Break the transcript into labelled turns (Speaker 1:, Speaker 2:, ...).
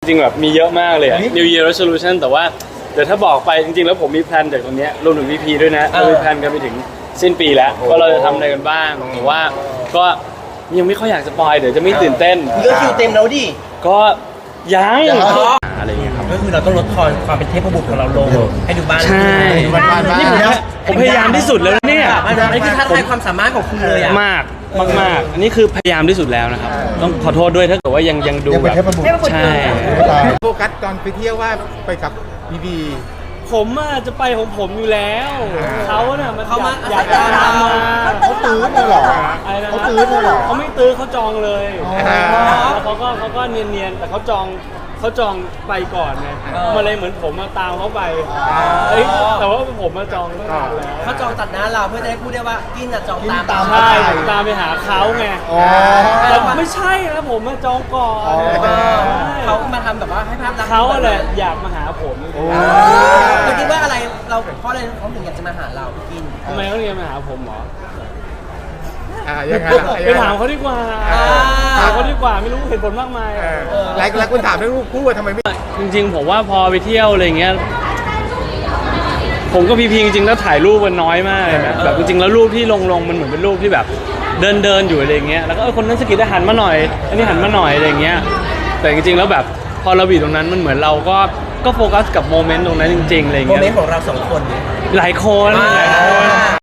Speaker 1: ริงๆแบบมีเยอะมากเลย New Year Resolution แต่ว่าเดี๋ยวถ้าบอกไปจริงๆแล้วผมมีแพลนจากตรงนี้รวมถึง VP ด้วยนะเรามีแพลนกันไปถึงสิ้นปีแล้วว่าเราจะทำอะไรกันบ้างแต่ว่าก็ยังไม่ค่อยอยากสปอยเดี๋ยวจะไม่ตื่นเต้น
Speaker 2: เยอะคิวเต็มแล้วดิ
Speaker 1: ก็ยังอะไรอย่างเงี้ยครับ
Speaker 2: ก็คือเราต้องลดทอนความเป็นเทพบุตรของเราลงให้ดูบ้าน
Speaker 1: ใช่นี่ผมพยายามที่สุดแล้วเนี่ย
Speaker 2: อันนี้คือท้าทายความสามารถของคุณเลยอะ
Speaker 1: มากอันนี้คือพยายามที่สุดแล้วนะครับต้องขอโทษด้วยถ้าเกิดว่ายังดูแบบใช่
Speaker 3: โฟกัสตอนไปเที่ยวว่าไปกับบีบี
Speaker 1: ผมจะไปของผมอยู่แล้วเขาเนี่ยมันอยากตามมา
Speaker 3: เขาตื้อเลยเหรอเขาตื้อเลยเหรอ
Speaker 1: เขาไม่ตื้อเขาจองเลยแล้วเขาก็เนียนๆแต่เขาจองไปก่อนไงมาเลยเหมือนผมตามเขาไปแต่ว่าผมมาจองตั้งนานแล้ว
Speaker 2: เขาจองตัดหน้าเราเพื่อจะได้พูดได้ว่ากินจองตาม
Speaker 1: ใช่ตามไปหาเขาไงแต่ไม่ใช่นะผมมาจองก่อน
Speaker 2: เขามาทำแบบว่าให้ภาพลักษณ์
Speaker 1: เขาอะไรอยากมาหาผม
Speaker 2: เราคิดว่าอะไรเราเพราะอะไรเขาถึงอยากจะมาหาเราพี่กิน
Speaker 1: ทำไมเขาถึงมาหาผมหรอ
Speaker 3: ยังไง
Speaker 1: ไปถามเขาดีกว่าไม่รู้เหตุผลมากมาย
Speaker 3: หลายคนถามเรื่องรูปคู่ว่าทำไมไม่
Speaker 1: จริงๆผมว่าพอไปเที่ยวอะไรเงี้ยผมก็พีจริงๆแล้วถ่ายรูปมันน้อยมากเลยนะแบบจริงๆแล้วรูปที่ลงมันเหมือนเป็นรูปที่แบบเดินอยู่อะไรเงี้ยแล้วก็คนนั้นสกิดหันมาหน่อยอันนี้หันมาหน่อยอะไรเงี้ยแต่จริงๆแล้วแบบพอเราอยู่ตรงนั้นมันเหมือนเราก็โฟกัสกับโมเมนต์ตรงนั้นจริงๆอะไรเงี้ย
Speaker 2: โมเมนต์ของเราสองคน
Speaker 1: หลายคน